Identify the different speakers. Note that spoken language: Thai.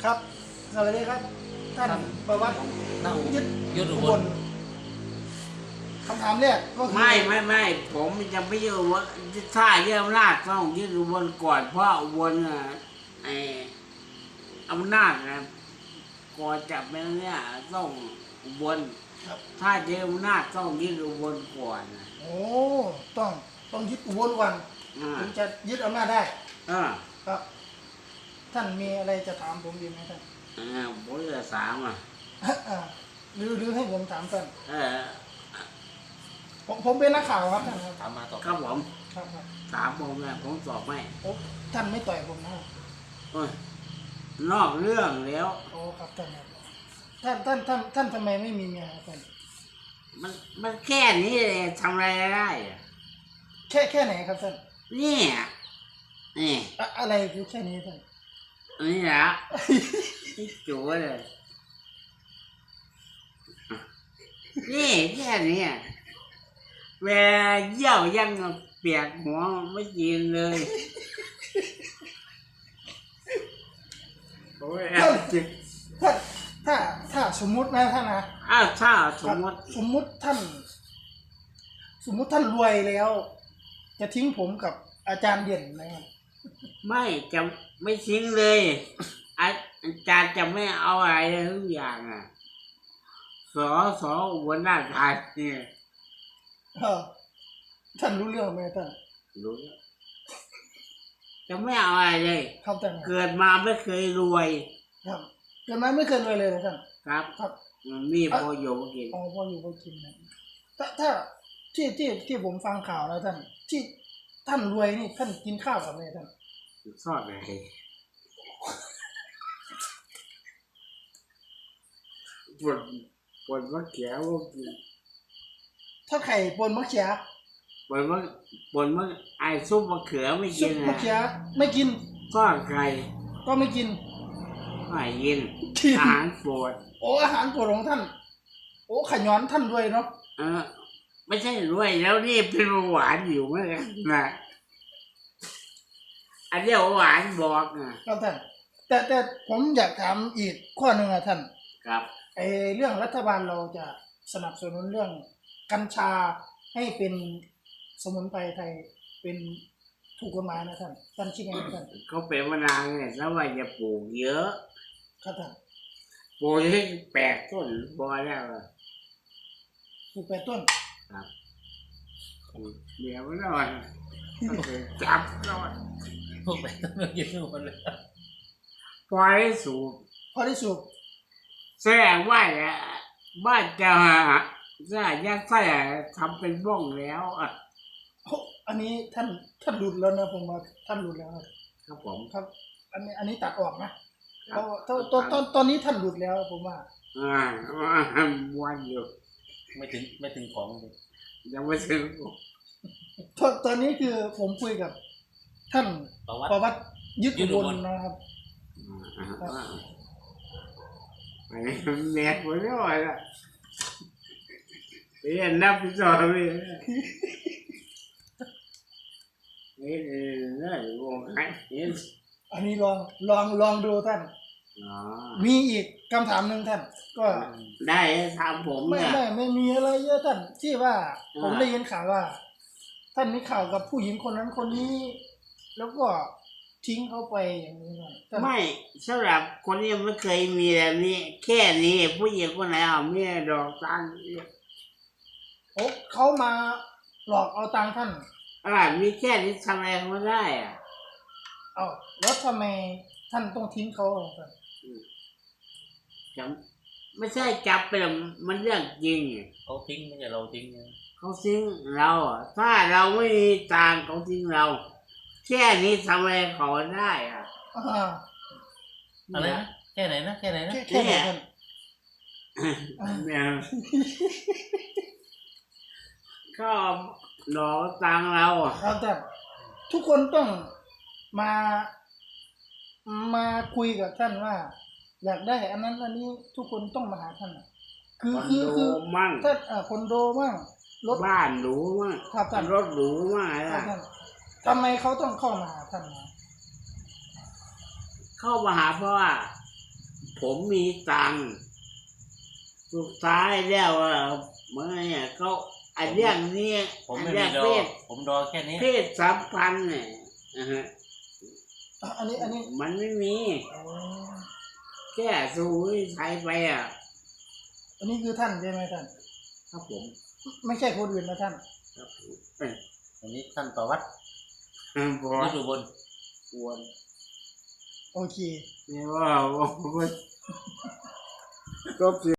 Speaker 1: ครับสวัสดีครับท่านประวัติยึดอุบลคำถามแรกก็คือ
Speaker 2: ไม่ผมจะไม่ยึดอุบลถ้ายึดอำนาจต้องยึดอุบลก่อนเพราะอุบลไอ้อำนาจนะก่อนจับไปเนี่ยต้องอุบลถ้ายึดอำนาจต้องยึดอุบลก่อน
Speaker 1: โอ้ต้องยึดอุบลก่อนถึงจะยึดอำนาจได้ครับท่านมีอะไรจะถามผมดีไหมท่าน
Speaker 2: ผมจะถาม
Speaker 1: หรือให้ผมถามท่านผมเป็นนักข่าวครับท่านครับ
Speaker 3: ถามมาต่อ
Speaker 2: ครับผม
Speaker 1: ครับ
Speaker 2: ถามผมนะผมตอบไม่
Speaker 1: ท่านไม่ต่อยผมนะ
Speaker 2: นอกเรื่องแล้ว
Speaker 1: โอ้ครับท่านทำไมไม่มีเมียท่าน
Speaker 2: มันแค่นี้เลยทำอะไรได้
Speaker 1: แค่ไหนครับท่าน
Speaker 2: นี่
Speaker 1: อะไรคือแค่นี้ท่าน
Speaker 2: นี่แหละที่จู๋เลยนี่แค่นี้เวลาเยี่ยวยังเปียกหัวไม่กินเลยโอ้ย
Speaker 1: ถ้าสมมุตินะท่านนะ
Speaker 2: ถ้าสมมติ
Speaker 1: ท่านรวยแล้ว จะทิ้งผมกับอาจารย์เด่นนะครับ
Speaker 2: จะไม่ทิ้งเลยอาจารย์จะไม่เอาอะไรทุกอย่างสอุบลราชธานี
Speaker 1: ท่านรู้เรื่องไหมท่าน
Speaker 2: รู้จะไม่เอาอะไรเลย
Speaker 1: ครับท่าน
Speaker 2: เกิดมาไม่เคยรวย
Speaker 1: ครับเกิดมาไม่เคยรวยเลยท่าน
Speaker 2: ครับมีพออยู่พอกิน
Speaker 1: พออยู่พอกินนะถ้าที่ผมฟังข่าวแล้วท่านที่ท่านรวยนี่ท่านกินข้าวกับอะไรท่าน
Speaker 2: ทอดอะไรปนมะเขือก็กิน
Speaker 1: ถ้าไข่ปนมะเขือ
Speaker 2: ปนมะไอซุปมะเขือไม่กิน
Speaker 1: ซุปมะเขือไม่กิน
Speaker 2: ทอดไก่
Speaker 1: ก็ไม่กิน
Speaker 2: ไม่กินอาหารโปรด
Speaker 1: อาหารโปรดของท่านขย้อนท่านรวยเนาะ
Speaker 2: ไม่ใช่รวยแล้วนี่เป็นหวานอยู่เหมือนกันนะอันนี้หวานบอก
Speaker 1: ครับท่านแต่ผมอยากถามอีกข้อหนึ่งท่าน
Speaker 2: ครับ
Speaker 1: เรื่องรัฐบาลเราจะสนับสนุนเรื่องกัญชาให้เป็นสมุนไพรไทยเป็นถูกกฎหมายนะท่านคิดยังไงท่าน
Speaker 2: เขาเป็นมานานเนี่ยแล้วว่าจะปลูกเยอะ
Speaker 1: ครับท่าน
Speaker 2: ปลูกให้8 ต้นพอแล้ว
Speaker 1: ปลูก8 ต้น
Speaker 2: ครับเดี๋ยวไม่นอนจับนอน
Speaker 3: พวก8 ต้นมันยืนหมดเลย
Speaker 2: พอได้สูบแสดงว่าบ้านจะยัดไส้ทำเป็นบ้องแล้ว
Speaker 1: อันนี้ท่านหลุดแล้วนะผมว่าท่านหลุดแล้ว
Speaker 2: ครับผม
Speaker 1: ครับอันนี้ตัดออกนะเพราะตอนนี้ท่านหลุดแล้วผมว่า
Speaker 2: วันอยู่
Speaker 3: ไม่ถึงของเลย
Speaker 2: ยังไม่ถึง
Speaker 1: ตอนนี้คือผมคุยกับท่านประวัติยึดอุบลนะครับ
Speaker 2: แม่หัวร้อนละเรียนนับพิจารณาเลยนี่น่าวงไหน
Speaker 1: อันนี้ลองดูท่านมีอีกคำถามหนึ่งท่านก็
Speaker 2: ได้ถามผม
Speaker 1: ไม่มีอะไรเยอะท่านที่ว่าผมได้ยินข่าวว่าท่านมีข่าวกับผู้หญิงคนนั้นคนนี้แล้วก็ทิ้งเขาไปอย่างนี้
Speaker 2: ไม่สำหรับคนนี้ไม่เคยมีแบบนี้แค่นี้ผู้หญิงคนไหนเอาเมียดอกตังค์
Speaker 1: เขามาหลอกเอาตังค์ท่าน
Speaker 2: มีแค่นี้ทำอะไรไม่ได้
Speaker 1: แล้วทำไมท่านต้องทิ้งเขา
Speaker 2: ไม่ใช่จับไปมันเรื่องจริง
Speaker 3: เขาทิ้งไม่ใช่เราทิ้ง
Speaker 2: เขาทิ้งเราถ้าเราไม่มีตังค์เขาทิ้งเราแค่นี้ทำอะไรเขาได้
Speaker 3: อะไรนะแค่ไหนนะ
Speaker 1: แค่ไหน
Speaker 2: ก็หลอกตังเรา
Speaker 1: ครับแต่ทุกคนต้องมาคุยกับท่านว่าอยากได้อันนั้นอันนี้ทุกคนต้องมาหาท่านคือ
Speaker 2: ท่าน
Speaker 1: คอนโดมั่ง
Speaker 2: รถบ้านหรูมั่งรถหรูมั่ง
Speaker 1: ทำไมเขาต้องเข้ามาหาท่าน
Speaker 2: เข้ามาหาเพราะว่าผมมีตังค์สุดท้ายแล้วเมื่อเนี่ยเขาไอ้เรื่องนี้
Speaker 3: ผม
Speaker 2: ไอ้
Speaker 3: ไม่
Speaker 2: เรื่
Speaker 3: มี
Speaker 2: อง
Speaker 3: ดอ
Speaker 2: เพ
Speaker 3: ก
Speaker 2: ศ
Speaker 3: ผมดอแค่นี้
Speaker 2: เพศสัมพันธ์เนี่ยนะฮะ
Speaker 1: อันนี้
Speaker 2: มันไม่มี
Speaker 1: อ๋อ
Speaker 2: แค่สู้ไทยไปอ่ะ
Speaker 1: อันนี้คือท่านใช่ไหมท่าน
Speaker 2: ครับผม
Speaker 1: ไม่ใช่คนอื่นนะท่าน
Speaker 2: ครับผม
Speaker 3: อันนี้ท่านประวัติ
Speaker 2: บอ
Speaker 3: ฤ
Speaker 2: ส
Speaker 3: ดูบน
Speaker 2: ควร
Speaker 1: โอเค
Speaker 2: เนี่ยว่าก็